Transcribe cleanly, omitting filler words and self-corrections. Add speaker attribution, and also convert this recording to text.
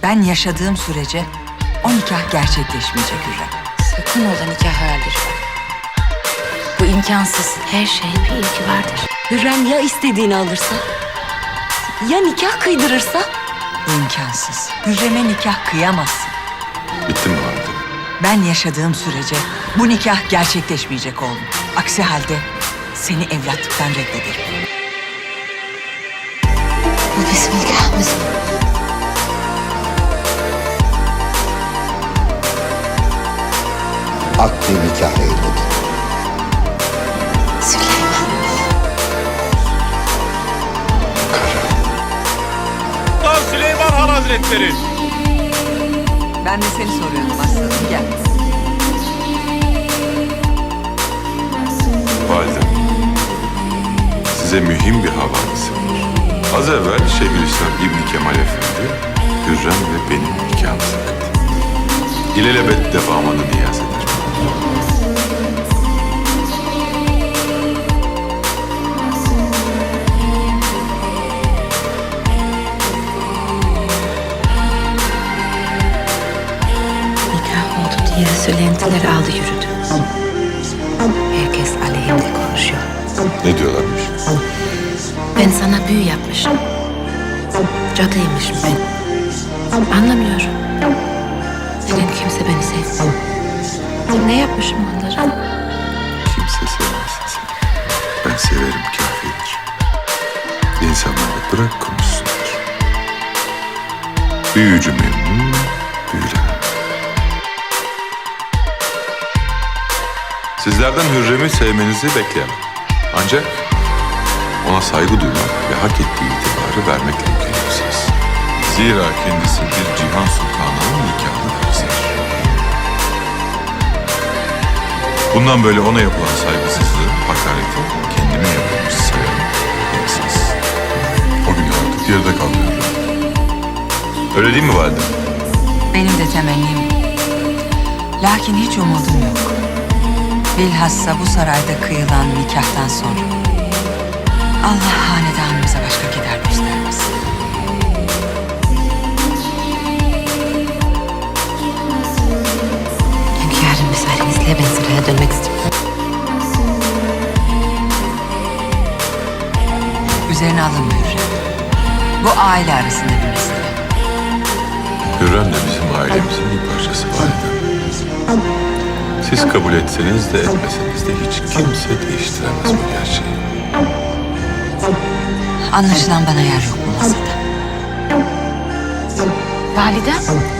Speaker 1: Ben yaşadığım sürece o nikah gerçekleşmeyecek Hürrem.
Speaker 2: Sakın ola nikah hayalleri. Bu imkansız. Her şeyin bir ilki vardır.
Speaker 3: Hürrem ya istediğini alırsa? Ya nikah kıydırırsa?
Speaker 1: Bu imkansız. Hürrem'e nikah kıyamazsın.
Speaker 4: Bitti mi valide?
Speaker 1: Ben yaşadığım sürece bu nikah gerçekleşmeyecek oğlum. Aksi halde seni evlatlıktan reddederim.
Speaker 2: Bu bizim nikahımız.
Speaker 5: Akdi nikah eyledi.
Speaker 2: Süleyman.
Speaker 6: Sultan Süleyman Han Hazretleri.
Speaker 1: Ben de seni soruyordum aslanım. Gel.
Speaker 4: Validem, size mühim bir haberimiz var. Az evvel Şeyhülislam İbni Kemal Efendi, Hürrem ve benim nikahımızı kıydı. İlelebet devamını niyaz eder.
Speaker 2: Nikah oldu diye söylentiler aldı yürüdü. Herkes aleyhimde konuşuyor.
Speaker 4: Ne diyorlarmış?
Speaker 2: Ben sana büyü yapmışım. Cadıymışım ben. Anlamıyorum. Neden kimse beni sevmiyor? Ne yapmışım onlara?
Speaker 4: Kimse sevmez seni. Ben severim kafidir. İnsanları bırak konuşsunlar. Büyücü memnun, büyülen. Sizlerden Hürrem'i sevmenizi bekleyemem. Ancak ona saygı duymak ve hak ettiği itibarı vermekle mükellefsiniz. Zira kendisi bir cihan sultanının nikahlı karısıdır. Bundan böyle ona yapılan saygısızlığı, hakareti kendime yapılmış sayarım. Bilirsiniz. O gün artık geride kalmıyor. Öyle değil mi validem?
Speaker 1: Benim de temennim. Lakin hiç umudum yok. Bilhassa bu sarayda kıyılan nikahtan sonra. Allah hanedanımıza başka keder göstermesin.
Speaker 2: Hünkârım müsaadenizle ben saraya dönmek istiyorum.
Speaker 1: Üzerine alınma Hürrem. Bu aile arasında bir mesele.
Speaker 4: Hürrem de bizim ailemizin bir parçası validem. Siz kabul etseniz de etmeseniz de hiç kimse değiştiremez bu gerçeği.
Speaker 1: Anlaşılan bana yer yok bu masada.
Speaker 2: Validem,